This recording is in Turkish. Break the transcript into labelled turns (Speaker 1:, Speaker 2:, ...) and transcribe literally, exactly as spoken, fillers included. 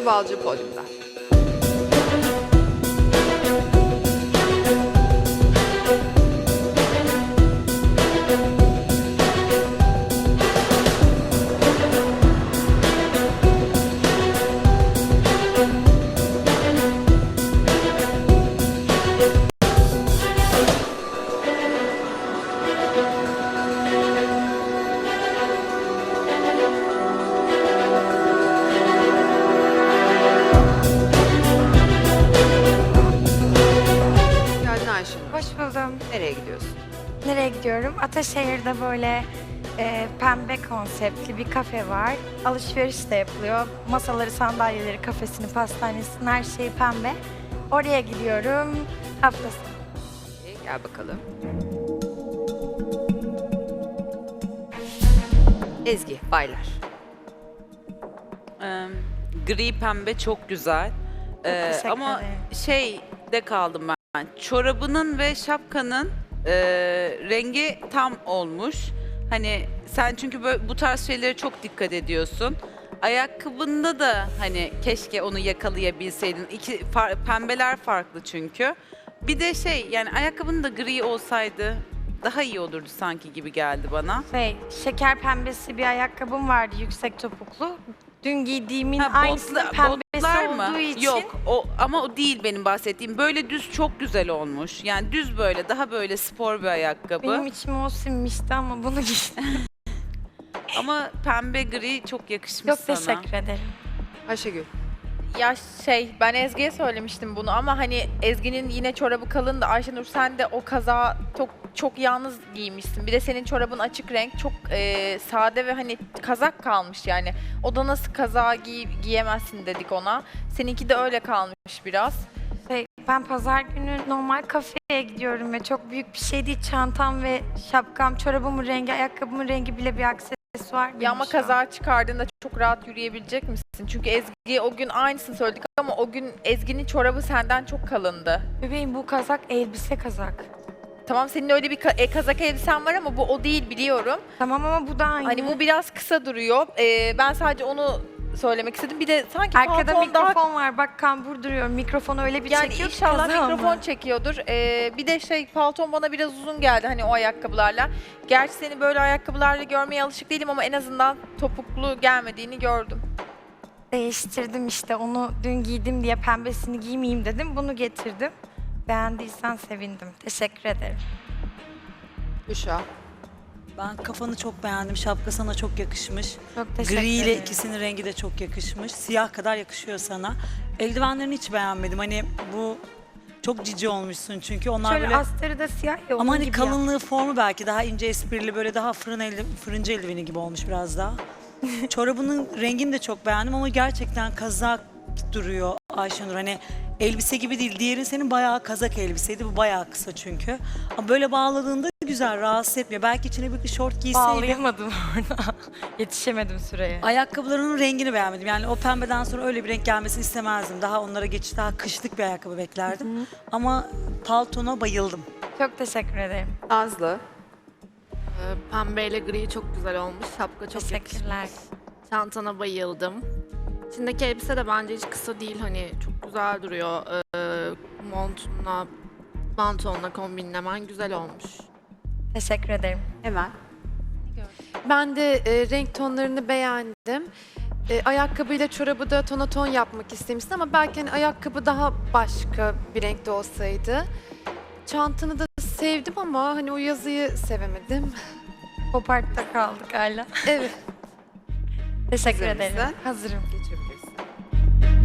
Speaker 1: Ayşenur Balcı podyumda. Geldin Ayşenur.
Speaker 2: Hoş buldum.
Speaker 1: Nereye gidiyorsun?
Speaker 2: Nereye gidiyorum? Ataşehir'de böyle e, pembe konseptli bir kafe var. Alışveriş de yapılıyor. Masaları, sandalyeleri, kafesini, pastanesini, her şeyi pembe. Oraya gidiyorum haftası.
Speaker 1: İyi, gel bakalım. Ezgi, baylar.
Speaker 3: Ee, gri pembe çok güzel. Ee,
Speaker 2: teşekkür
Speaker 3: ama
Speaker 2: ederim.
Speaker 3: şey de kaldım ben. Çorabının ve şapkanın e, rengi tam olmuş. Hani sen çünkü böyle, bu tarz şeylere çok dikkat ediyorsun. Ayakkabında da hani keşke onu yakalayabilseydin. İki far- pembeler farklı çünkü. Bir de şey yani ayakkabının da gri olsaydı daha iyi olurdu sanki gibi geldi bana.
Speaker 2: Şey, şeker pembesi bir ayakkabım vardı, yüksek topuklu. Dün giydiğimin
Speaker 3: Ha,
Speaker 2: aynısının
Speaker 3: botla-
Speaker 2: pembesi
Speaker 3: botlar mı?
Speaker 2: olduğu için.
Speaker 3: Yok o ama o değil benim bahsettiğim. Böyle düz çok güzel olmuş. Yani düz böyle daha böyle spor bir ayakkabı.
Speaker 2: Benim içime o sinmişti ama bunu giydim.
Speaker 3: Ama pembe gri çok yakışmış
Speaker 2: Çok
Speaker 3: sana.
Speaker 2: teşekkür ederim.
Speaker 1: Ayşegül.
Speaker 4: Ya şey ben Ezgi'ye söylemiştim bunu ama hani Ezgi'nin yine çorabı kalın da Ayşenur sen de o kaza çok çok yalnız giymişsin. Bir de senin çorabın açık renk çok e, sade ve hani kazak kalmış yani. O da nasıl kaza giy giyemezsin dedik ona. Seninki de öyle kalmış biraz.
Speaker 2: Şey, ben pazar günü normal kafeye gidiyorum ve çok büyük bir şey değil. Çantam ve şapkam, çorabımın rengi, ayakkabımın rengi bile bir aksesuar.
Speaker 4: Ya
Speaker 2: benim
Speaker 4: ama
Speaker 2: şu an.
Speaker 4: kaza çıkardığında çok rahat yürüyebilecek misin? Çünkü Ezgi o gün aynısını söyledik ama o gün Ezgi'nin çorabı senden çok kalındı.
Speaker 2: Bebeğim bu kazak elbise kazak.
Speaker 4: Tamam senin öyle bir ka- e, kazak elbisen var ama bu o değil biliyorum.
Speaker 2: Tamam ama bu da aynı.
Speaker 4: Hani bu biraz kısa duruyor. Ee, ben sadece onu söylemek istedim. Bir de sanki
Speaker 2: Arkada
Speaker 4: pantolon daha...
Speaker 2: mikrofon var. Bak kambur duruyor. Mikrofonu öyle bir
Speaker 4: Yani
Speaker 2: çekiyor ki
Speaker 4: inşallah
Speaker 2: kaza
Speaker 4: mikrofon
Speaker 2: ama.
Speaker 4: çekiyordur. Ee, bir de şey palton bana biraz uzun geldi hani o ayakkabılarla. Gerçi seni böyle ayakkabılarla görmeye alışık değilim ama en azından topuklu gelmediğini gördüm.
Speaker 2: Değiştirdim işte. Onu dün giydim diye pembesini giymeyeyim dedim. Bunu getirdim. Beğendiysen sevindim. Teşekkür ederim.
Speaker 1: Büşra.
Speaker 5: Ben kafanı çok beğendim. Şapka sana çok yakışmış.
Speaker 2: Çok teşekkür
Speaker 5: Gri ile
Speaker 2: ederim.
Speaker 5: ikisinin rengi de çok yakışmış. Siyah kadar yakışıyor sana. Eldivenlerini hiç beğenmedim. Hani bu çok cici olmuşsun çünkü onlar
Speaker 2: Şöyle
Speaker 5: böyle...
Speaker 2: astarı da siyah ya.
Speaker 5: Ama
Speaker 2: onun
Speaker 5: hani
Speaker 2: gibi ya.
Speaker 5: kalınlığı, formu belki daha ince esprili, böyle daha fırın elde, fırıncı eldiveni gibi olmuş biraz daha. Çorabının rengini de çok beğendim ama gerçekten kazak duruyor Ayşenur. Hani elbise gibi değil. Diğerin senin bayağı kazak elbiseydi. Bu bayağı kısa çünkü. Ama böyle bağladığında güzel, rahatsız etmiyor. Belki içine bir şort giyseydin.
Speaker 2: Bağlayamadım orada. Yetişemedim süreye.
Speaker 5: Ayakkabılarının rengini beğenmedim. Yani o pembeden sonra öyle bir renk gelmesini istemezdim. Daha onlara geçiş, daha kışlık bir ayakkabı beklerdim. Ama paltona bayıldım.
Speaker 2: Çok teşekkür ederim.
Speaker 1: Nazlı.
Speaker 6: Ee, Pembeyle gri çok güzel olmuş. Şapka çok
Speaker 2: Teşekkürler.
Speaker 6: yakışmış. Çantana bayıldım. İçindeki elbise de bence hiç kısa değil. Hani çok güzel duruyor. Ee, montunla, pantolonla kombinlemen güzel olmuş.
Speaker 2: Teşekkür ederim.
Speaker 1: Hemen.
Speaker 7: Ben de e, renk tonlarını beğendim. E, ayakkabıyla çorabı da tonaton yapmak istemiştim ama belki hani ayakkabı daha başka bir renkte olsaydı. Çantanı da sevdim ama hani o yazıyı sevemedim.
Speaker 2: Pop art'ta kaldık hala.
Speaker 7: Evet.
Speaker 2: Teşekkür
Speaker 1: Hazır
Speaker 2: ederim.
Speaker 1: mısın?
Speaker 2: Hazırım.
Speaker 1: Geçebiliriz.